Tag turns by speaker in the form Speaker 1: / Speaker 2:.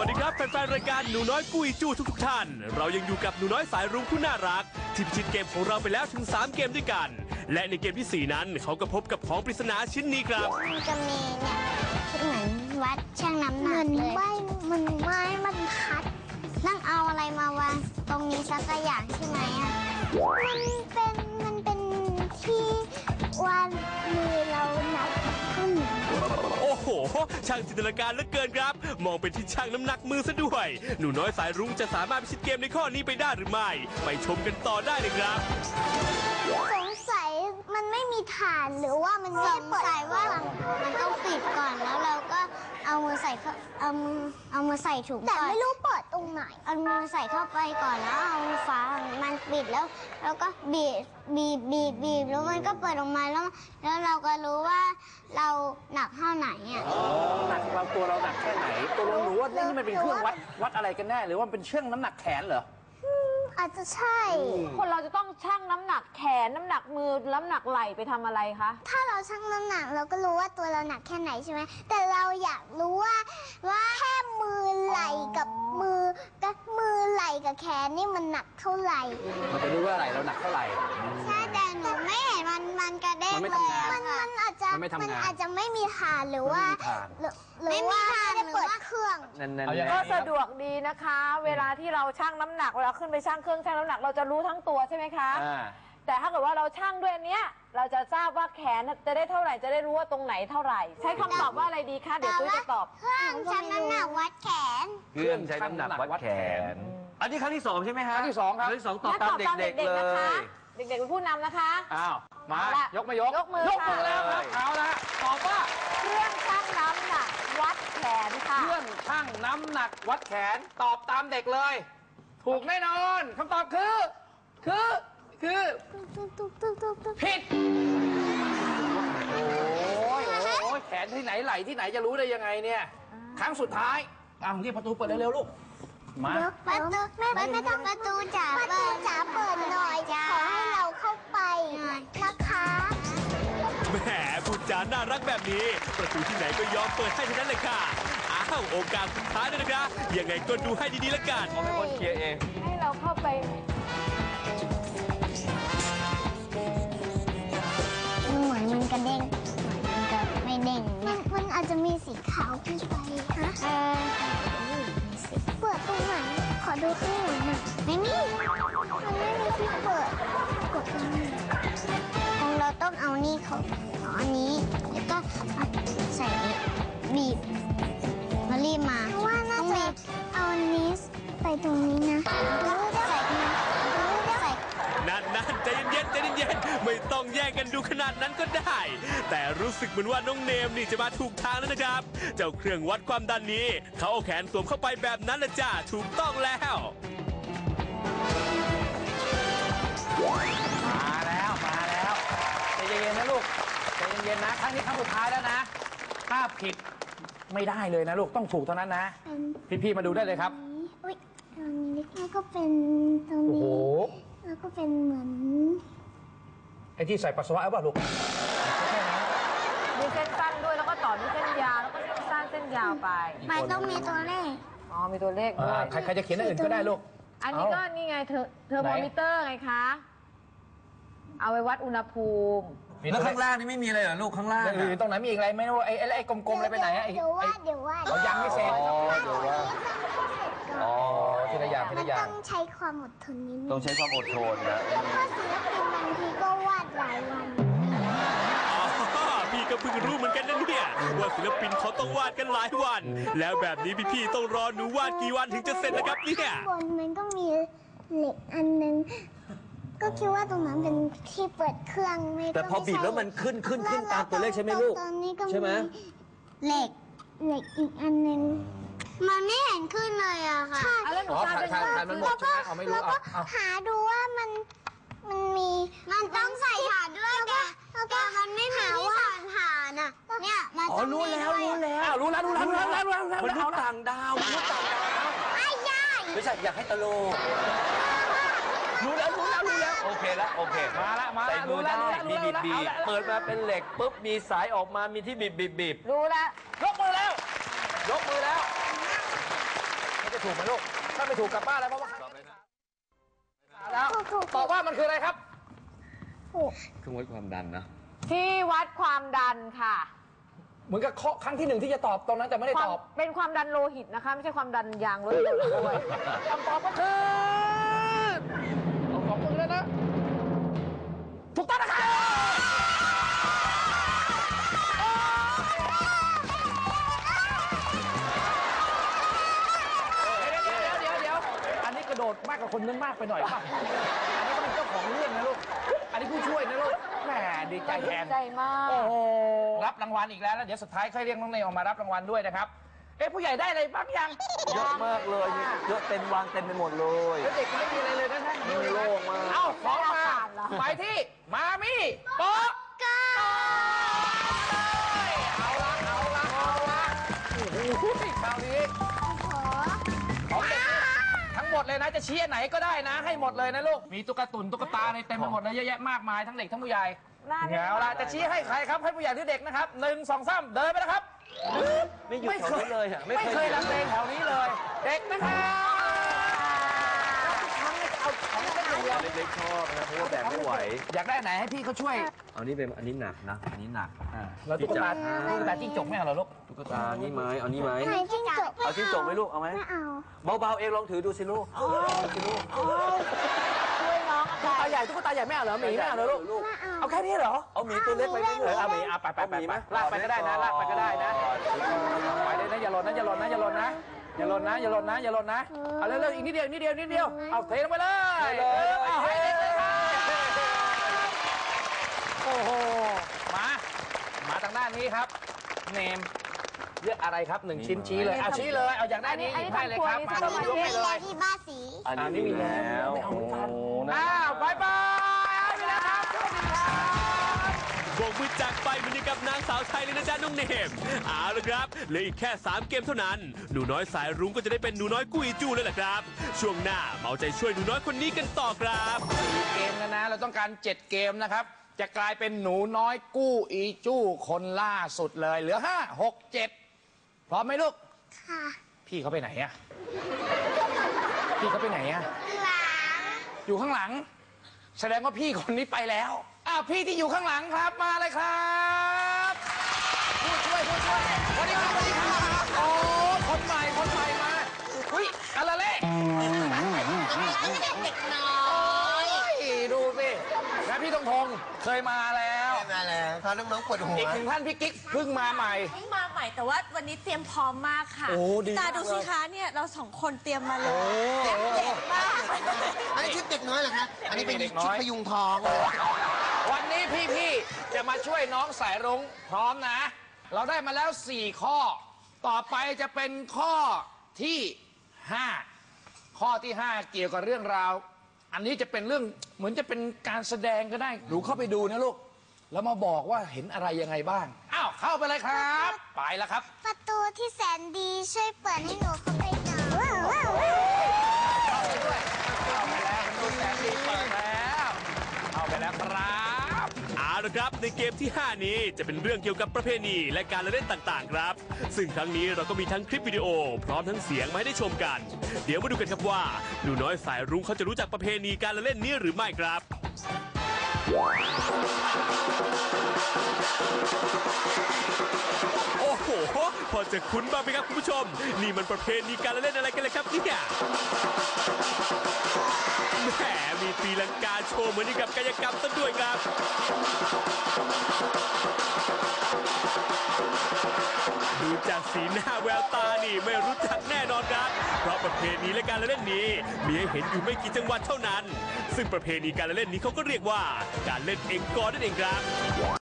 Speaker 1: วัสดีครับแฟนๆรายการหนูน้อยกุยจู้ทุกท่านเรายังอยู่กับหนูน้อยสายรุ้งผู้น่ารักที่พิชิตเกมของเราไปแล้วถึง3เกมด้วยกันและในเกมที่4นั้นเขาก็พบกับของปริศนาชิ้นนี้ครับ
Speaker 2: มันจะมีเนี่ยเหมือนวัดช่างน้ำหนักเลยมันไม้บรรทัดนั่งเอาอะไรมาวางตรงนี้สักอย่างใช่ไหมอ่ะมันเป็นที่วางมือเรานับขึ้น
Speaker 1: โอ้โหช่างจินตนาการเหลือเกินครับมองเป็นที่ช่างน้ำหนักมือซะด้วยหนูน้อยสายรุ้งจะสามารถพิชิตเกมในข้อนี้ไปได้หรือไม่ไปชมกันต่อได้เลยครับ
Speaker 2: สงสัยมันไม่มีฐานหรือว่ามันสงสัยว่ามันต้องปิดก่อนแล้วเราก็เอามือใส่เอามือใส่ถุงแต่ไม่รู้เปิดตรงไหนเอามือใส่เข้าไปก่อนแล้วเอาฝามันปิดแล้วก็บีบแล้วมันก็เปิดออกมาแล้วเราก็รู้ว่าเราหนักเท่าไหนอ่ะ
Speaker 3: หนักเราตัวเราหนักแค่ไหนตัวเรารู้ว่านี่มันเป็นเครื่องวัดอะไรกันแน่หรือว่าเป็นเชื่องน้ำหนักแขนเหรอ
Speaker 2: อาจจะใช่
Speaker 4: คนเราจะต้องชั่งน้ำหนักแขนน้ำหนักมือน้ำหนักไหล่ไปทำอะไรคะ
Speaker 2: ถ้าเราชั่งน้ำหนักเราก็รู้ว่าตัวเราหนักแค่ไหนใช่ไหมแต่เราอยากรู้ว่าแค่มือไหล่กับมือไหล่กับแขนนี่มันหนักเท่าไหร่
Speaker 3: มันจะรู้ว่าอะไรเราหนักเท่าไหร่
Speaker 2: ใช่แต่หนูไม่เห็นมันกระเด้งเลยมันอาจจะไม่มีฐานหรือว่าไม่มีฐานหรือว่าเครื่อง
Speaker 4: ก็สะดวกดีนะคะ เวลาที่เราชั่งน้ำหนักเวลาขึ้นไปชั่งเครื่องชั่งน้ำหนักเราจะรู้ทั้งตัวใช่ไหมคะแต่ถ้าเกิดว่าเราชั่งด้วยอันเนี้ยเราจะทราบว่าแขนจะได้เท่าไหร่จะได้รู้ว่าตรงไหนเท่าไหร่ใช้คำตอบว่าอะไรดีคะเดี๋ยวตุ้ยจะตอบ
Speaker 2: เครื่องชั่งน้ำหนักวัดแขน
Speaker 5: เครื่องใช้น้ำหนักวัดแขนอันนี้ครั้งที่2ใช่ไหมฮะ
Speaker 3: ครั้งที่2ครับ
Speaker 5: ครั้งที่2ตอบตามเด็กๆเลย
Speaker 4: เด็กๆเป็นผู้นำนะคะ
Speaker 3: อ้าวยกมือยกมือแล้วครับเอาละตอบว่า
Speaker 4: เครื่องชั่งน้ำหนักวัดแขนค่ะ
Speaker 3: เครื่องชั่งน้ำหนักวัดแขนตอบตามเด็กเลยถูกแน่นอนคำตอบคือผิดโอ้ยแขนที่ไหนไหล่ที่ไหนจะรู้ได้ยังไงเนี่ยครั้งสุดท้ายเรียกประตูเปิดเร็วๆลูกมา
Speaker 2: ประตูไม่ต้องประตูจ๋าเปิดหน่อยขอให้เราเข้าไปนะคะ
Speaker 1: แหมพูดจาน่ารักแบบนี้ประตูที่ไหนก็ยอมเปิดให้ทั้งนั้นเลยค่ะอ้าวโอกาสสุดท้ายเลยนะครับยังไงก็ดูให้ดีๆละกัน
Speaker 5: ผมเป็นคนเคลียร์เอง
Speaker 4: ให้เราเข้าไป
Speaker 2: เหมือนมันกระเด้งมันก็ไม่เด้งมันอาจจะมีสีขาวขึ้นไปนะเปิดตรงไหนขอดูข้างหลังหน่อยไม่มีมันไม่มีที่เปิดกดตรงนี้ของเราต้องเอานี่เขาอันนี้แล้วก็ใส่บีบมารีบมาว่าน่าจะเอาอันนี้ไปตรงนี้นะใส่
Speaker 1: นั่นใจเย็นไม่ต้องแย่งกันดูขนาดนั้นก็ได้แต่รู้สึกเหมือนว่าน้องเนมนี่จะมาถูกทางแล้วนะครับเจ้าเครื่องวัดความดันนี้เขาเอาแขนสวมเข้าไปแบบนั้นละจ้าถูกต้องแล้ว
Speaker 3: มาแล้วใจเย็นๆนะลูกใจเย็นๆนะครั้งนี้ครั้งสุดท้ายแล้วนะถ้าผิดไม่ได้เลยนะลูกต้องถูกเท่านั้นนะพี่ๆมาดูได้เลยครับ
Speaker 2: ตรงนี้แล้วก็เป็นตรงนี้แล้วก็เป็นเหมือน
Speaker 3: ไอ้ที่ใส่ปัสสาวะเอาป่ะลูก
Speaker 4: มีเส้นสั้นด้วยแล้วก็ต่อด้วยเส้นยาวแล้วก็เส้นสั้นเส้นยาวไป
Speaker 2: ต้องมีตัวเลข
Speaker 4: มีตัวเลขด้วย
Speaker 3: ใครจะเขียนอื่นก็ได้ลูก
Speaker 4: อันนี้ก็นี่ไงเทอร์โมมิเตอร์ไงคะเอาไว้วัดอุณหภูมิ
Speaker 5: แล้วข้างล่างนี่ไม่มีอะไรเหรอลูกข้างล่าง
Speaker 3: ตรงไหนมีอีกอะไรไม่รู้ไอ้กลมๆอะไรไปไหน
Speaker 2: เดี๋ยวว่า
Speaker 3: ยังไม่เสร็จทีละอย่าง
Speaker 2: ต้องใช้ความอดทนนิดนึง
Speaker 5: ต้องใช้ความอดทนนะ
Speaker 2: เพราะศิลปินบางทีก็วาดหลายวัน
Speaker 1: พี่ก็เพิ่งรู้เหมือนกันนะเนี่ยว่าศิลปินเขาต้องวาดกันหลายวันแล้วแบบนี้พี่ต้องรอดูวาดกี่วันถึงจะเสร็จนะครับเนี่ย
Speaker 2: บนมันก็มีเหล็กอันนึงก็คิดว่าตรงนั้นเป็นที่เปิดเครื่องไม่
Speaker 5: แต่พอบีบแล้วมันขึ้นตามตัวเลขใช่ไหมลูกใช่ไหม
Speaker 2: เหล็กอีกอันนึงมันไม่เห็นขึ้นเลยอะค่ะ
Speaker 4: แล้วหนูทาน
Speaker 3: มันหมดใช่ไหมเอาไม่รู้
Speaker 2: แล้วก็หาดูว่ามันต้องใส่ฐานด้วยแต่มันไม่มีที่ใส่ฐานอะเนี่ยมันต้อง
Speaker 5: รู้แล้วมนุษย์ต่างดาวไม่ใช่อยากให้ตลกรู้แล้วโอเคแล้ว
Speaker 3: มา
Speaker 5: ใส่มือได้มีบีบเปิดมาเป็นเหล็กปุ๊บมีสายออกมามีที่บีบ
Speaker 4: รู้แล้ว
Speaker 3: ยกมือแล้วถูกไหมลูกถ้าไม่ถูกกลับบ้านแล้วเพราะว่าแล้วตอบว่ามันคืออะไรครับ
Speaker 5: เครื่องวัดความดันนะ
Speaker 4: ที่วัดความดันค่ะ
Speaker 3: เหมือนกับข้อครั้งที่หนึ่งที่จะตอบตรงนั้นแต่ไม่ได้ตอบ
Speaker 4: เป็นความดันโลหิตนะคะ ไม่ใช่ความดันยางรถยนต์ด้วย
Speaker 3: คำตอบก็คือของมึงแล้วนะ ถูกต้องนะครับเดี๋ยวอันนี้กระโดดมากกว่าคนนึงมากไปหน่อยป่ะอันนี้ก็เป็นเจ้าของเรื่องนะลูก อันนี้ผู้ช่วยนะลูกแหมดีใจแทน
Speaker 4: ใจมาก
Speaker 3: โอ้โหรับรางวัลอีกแล้วแล้วเดี๋ยวสุดท้ายค่อยเรียกน้องเนยออกมารับรางวัลด้วยนะครับ ผู้ใหญ่ได้อะไรบ้างยัง
Speaker 5: เยอะมากเลยเยอะเต็มวางเต็มไปหมดเลย
Speaker 3: เด็กไม่มีอะไรเลยนะท่าน
Speaker 5: มีโล่งมาก
Speaker 3: เอ้าของมาไปที่มามี่โป๊ะก้าเอาละโอ้โหคราวนี้ของเด็กทั้งหมดเลยนะจะชี้อันไหนก็ได้นะ ให้หมดเลยนะลูกมีตุ๊กตาในเต็มไปหมดเลยเยอะแยะมากมายทั้งเด็กทั้งผู้ใหญ่เอาละจะชี้ให้ใครครับให้ผู้ใหญ่หรือเด็กนะครับ1 2 3เดินไปนะครับ
Speaker 5: ไม่หยุดแถวนี้เลยอ่ะ
Speaker 3: ไม่เคยลังเลแถวนี้เลย เด็กนะครับเอาของเล่นอย่างเดียว
Speaker 5: เล็กๆชอบนะเพราะว่าแบกไม่ไหว
Speaker 3: อยากได้ไหนให้พี่เขาช่วย
Speaker 5: อันนี้หนักนะอันนี้หนัก
Speaker 3: แล้วตุ๊กตาจิ้งจกไม่เอาเหรอลูก
Speaker 5: ตุ๊กตานี่ไหมเอานี่ไหม
Speaker 2: ไหนจิ้งจก
Speaker 5: เอาจิ้งจกไหมลูกเอาไหม
Speaker 2: ไม่เอา
Speaker 5: เบาๆเองลองถือดูสิลูกสิลูก
Speaker 4: ช่วยน้อง
Speaker 3: ตุ๊กตาใหญ่ไม่เอาเหรอหมีไม่เอาเหรอลูก
Speaker 2: ไม่เอา
Speaker 3: เอาแค่นี้เหรอ
Speaker 5: เอาหมีตัวเล็กไปไหม
Speaker 3: เอาหมีเอาไปลากไปก็ได้นะลากไปก็ได้นะไปเลยนะอย่าหล่นนะเอาเร็วๆอีกนิดเดียวเอาเทลงไปเลยเอาให้เด็กเลยครับโอ้โหมาทางด้านนี้ครับเนมเลือกอะไรครับ1ชิ้นชี้เลยเอาชี้เลยเอาอย่างด้านนี้ให้เลยครับมา
Speaker 2: อันนี้
Speaker 3: ยก
Speaker 2: มี
Speaker 3: ให้เล
Speaker 2: แล้ว
Speaker 3: ย
Speaker 2: ที่บ้านสี
Speaker 5: อันนี้มีแล้ว
Speaker 3: โอ้บายไปแล้วครับสวัสดีครับ
Speaker 1: โบกมือจากไปเหมือนกับนางสาวไทยเลยนะจ๊ะน้องเนมเอาละครับเหลืออีกแค่3เกมเท่านั้นหนูน้อยสายรุ้งก็จะได้เป็นหนูน้อยกุ้ยจูแล้วล่ะครับช่วงหน้ามาเอาใจช่วยหนูน้อยคนนี้กันต่อครับ
Speaker 3: เกมแล้วนะเราต้องการ7เกมนะครับจะกลายเป็นหนูน้อยกู้อีจู้คนล่าสุดเลยเหลือ5 6 7พร้อมไหมลูก
Speaker 2: ค่ะ
Speaker 3: พี่เขาไปไหนอะอยู่ข้างหลัง แสดงว่าพี่คนนี้ไปแล้วพี่ที่อยู่ข้างหลังครับมาเลยครับผู้ช่วยสวัสดีครับโอ้คนใหม่มาอุ้ยอะไรเล่เด็กน้อยดูสินะพี่ธงเคยมาแล้วพาน้องๆปวดหัวอีก1ท่านพี่กิ๊กเพิ่งมาใหม่
Speaker 6: มาใหม่แต่ว่าวันนี้เตรียมพร้อมมากค่ะ
Speaker 3: โอ้ดีมาก
Speaker 6: ตาดูสิคะเนี่ยเรา2คนเตรียมมาเลยเด็กมาก
Speaker 7: อันนี้ชุดเด็กน้อยเหรอครับ อันนี้เป็น
Speaker 3: เด็กน้
Speaker 7: ชุด
Speaker 3: อย
Speaker 7: พยุงทอง
Speaker 3: วันนี้พี่ๆจะมาช่วยน้องสายรุ้งพร้อมนะ เราได้มาแล้ว4ข้อต่อไปจะเป็นข้อที่5ข้อที่5เกี่ยวกับเรื่องราวอันนี้จะเป็นเรื่องเหมือนจะเป็นการแสดงก็ได้หนูเข้าไปดูนะลูกแล้วมาบอกว่าเห็นอะไรยังไงบ้างเข้าไปเลยครับไปแล้วครับ
Speaker 2: ประตูที่แสนดีช่วยเปิดให้หนูเข้าไปหน่อย
Speaker 3: เข้าไปด้วยเข้าไปแล้วดูแสนดีเปิดแล้วเข้าไปแล้วครับ
Speaker 1: เอาละครับในเกมที่ 5 นี้จะเป็นเรื่องเกี่ยวกับประเพณีและการละเล่นต่างๆครับซึ่งครั้งนี้เราก็มีทั้งคลิปวิดีโอพร้อมทั้งเสียงมาให้ได้ชมกันเดี๋ยวมาดูกันครับว่าหนูน้อยสายรุ้งเขาจะรู้จักประเพณีการละเล่นนี้หรือไม่ครับโอ้โหพอจะคุ้นบ้างไหมครับคุณผู้ชมนี่มันประเพณีการละเล่นอะไรกันเลยครับเนี่ยแหมมีตีลังกาโชว์เหมือนกับกายกรรมซะด้วยครับดูจากสีหน้าแววตานี่ไม่รู้จักแน่นอนครับเพราะประเพณีและการละเล่นนี้มีให้เห็นอยู่ไม่กี่จังหวัดเท่านั้นซึ่งประเพณีการละเล่นนี้เขาก็เรียกว่าการเล่นเองกอนั่นเองครับ